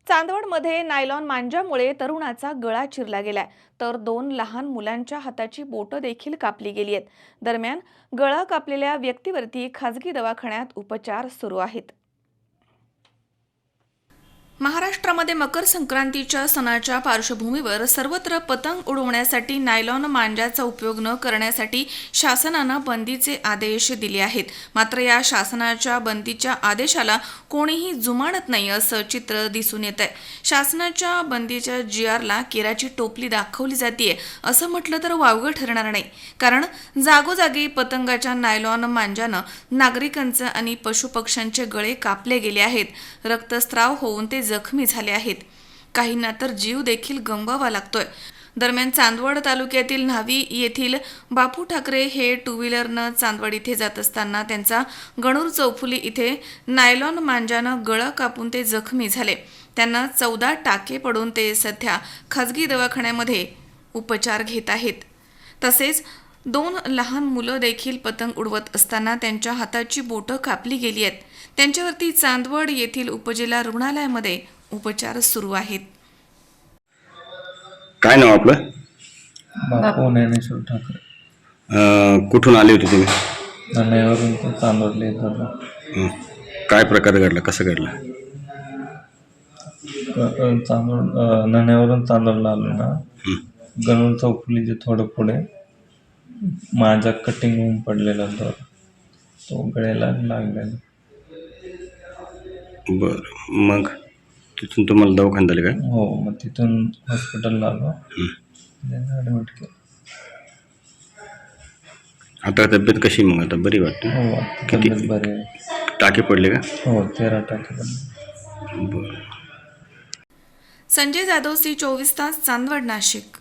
चांदवडमध्ये nylon मांजामुळे तरुणाचा गळा चिरला गेलाय, तर 2 लहान मुलांच्या हाताची बोटं देखील कापली गेली आहेत. दरम्यान गळा कापलेल्या व्यक्तीवरती खासगी दवाखान्यात उपचार सुरू आहेत. महाराष्ट्रामध्ये मकर संक्रांतीच्या सणाच्या पार्श्वभूमीवर सर्वत्र पतंग उडवण्यासाठी नायलॉन मांजाचा उपयोग न करण्यासाठी शासनानं बंदीचे आदेश दिले आहेत. मात्र या शासनाच्या बंदीच्या आदेशाला कोणीही जुमानत नाही असं चित्र दिसून येत आहे. शासनाच्या बंदीच्या GRला केराची टोपली दाखवली जाते असं म्हटलं तर वावगं ठरणार नाही. कारण जागोजागी पतंगाच्या नायलॉन मांजानं नागरिकांचे आणि पशुपक्ष्यांचे गळे कापले गेले आहेत. रक्तस्राव होऊन ते जखमी झाले आहेत. काहींना तर जीव देखील गमवावा लागतोय. दरम्यान चांदवड तालुक्यातील न्हावी येथील बापू ठाकरे हे 2 व्हीलरनं चांदवड इथे जात असताना त्यांचा गणूर चौफुली इथे नायलॉन मांजानं गळा कापून ते जखमी झाले. त्यांना 14 टाके पडून ते सध्या खासगी दवाखान्यामध्ये उपचार घेत आहेत. तसेच 2 लहान मुलं देखील पतंग उडवत असताना त्यांच्या हाताची बोटं कापली गेली आहेत. त्यांच्यावरती चांदवड येथील उपजिल्हा रुग्णालयामध्ये उपचार सुरू आहेत. काय नाव आपलं? बापू ज्ञानेश्वर ठाकरे. कुठून आले होते तुम्ही? नाण्यावरून ते चांदवडले येत होतो. काय प्रकार घडला, कसं घडला? नाण्यावरून चांदवडला आलो ना, गणूर चौफुलीचे थोडं पुढे माझा कटिंग होऊन पडलेला तो गळ्याला लागलेला. बरं, मग तिथून तुम्हाला दवाखान्यात आले काय? हो, मग तिथून हॉस्पिटलला आलो, ॲडमिट केलं. आता तब्येत कशी? मग आता बरी वाटते? हो, किती तब्येत बरी आहे. टाके पडले का? हो, 13 टाके पडले. बरं. संजय जाधव, C24 तास, चांदवड, नाशिक.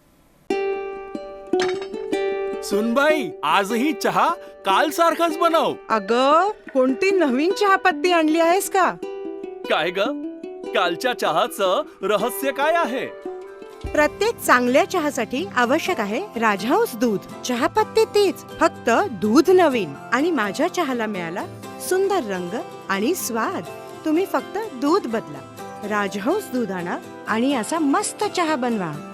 सुनबाई, आजही चहा काल सारखाच बनव. अगं, कोणती नवीन चहापत्ती आणली आहेस का? काय ग, कालच्या चहाचं रहस्य काय आहे? प्रत्येक चांगल्या चहासाठी आवश्यक आहे राजहंस दूध. चहापत्ती तीच, फक्त दूध नवीन. आणि माझ्या चहाला मिळाला सुंदर रंग आणि स्वाद. तुम्ही फक्त दूध बदला, राजहंस दूध आणा आणि असा मस्त चहा बनवा.